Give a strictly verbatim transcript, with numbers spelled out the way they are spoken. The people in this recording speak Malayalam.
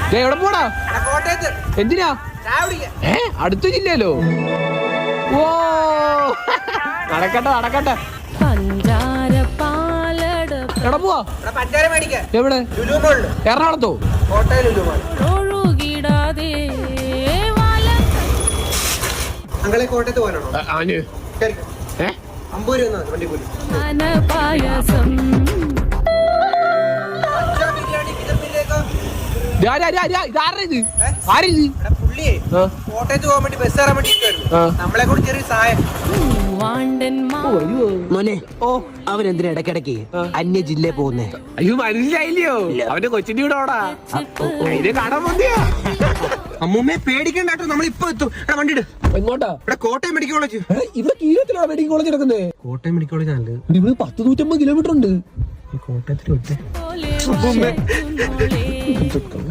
എവിടെ പോടാ? എന്തിനാ? ഏ അടുത്ത ജില്ലയിലോ? ഓ നടക്കട്ടെ നടക്കട്ടെ. എവിടെ പോവാ? എവിടെ? എറണാകുളത്തോ? അങ്ങളെ കോട്ടയത്ത് പോകാനാണോ? ഏ അമ്പത് രൂപ വണ്ടി പോലും. പുള്ളിയെ കോട്ടയത്ത് പോകാൻ വേണ്ടി ബസ് കയറാൻ വേണ്ടി നമ്മളെ കൂടി ചെറിയ സഹായം. മോനെ ഓ അവനെന്തിനാ ഇടക്കിടക്ക് അന്യ ജില്ലയിൽ പോകുന്നേ? അയ്യോ മനസ്സിലായില്ലയോ? അവന്റെ കൊച്ചിന്റെ കൂടെ ഓടാ കടം മതിയാ. അമ്മൂമ്മയെ പേടിക്കണ്ട കേട്ടോ, നമ്മൾ ഇപ്പൊ എത്തും. വണ്ടി ഇട്. എങ്ങോട്ടാ? ഇവിടെ കോട്ടയം മെഡിക്കൽ കോളേജ്. ഇവിടെ കീഴത്തിലാണ് മെഡിക്കൽ കോളേജ് കിടക്കുന്നത്. കോട്ടയം മെഡിക്കൽ കോളേജ് ആണ് ഇവിടെ പത്ത് നൂറ്റമ്പത് കിലോമീറ്റർ ഉണ്ട്. കോട്ടയത്തിൽ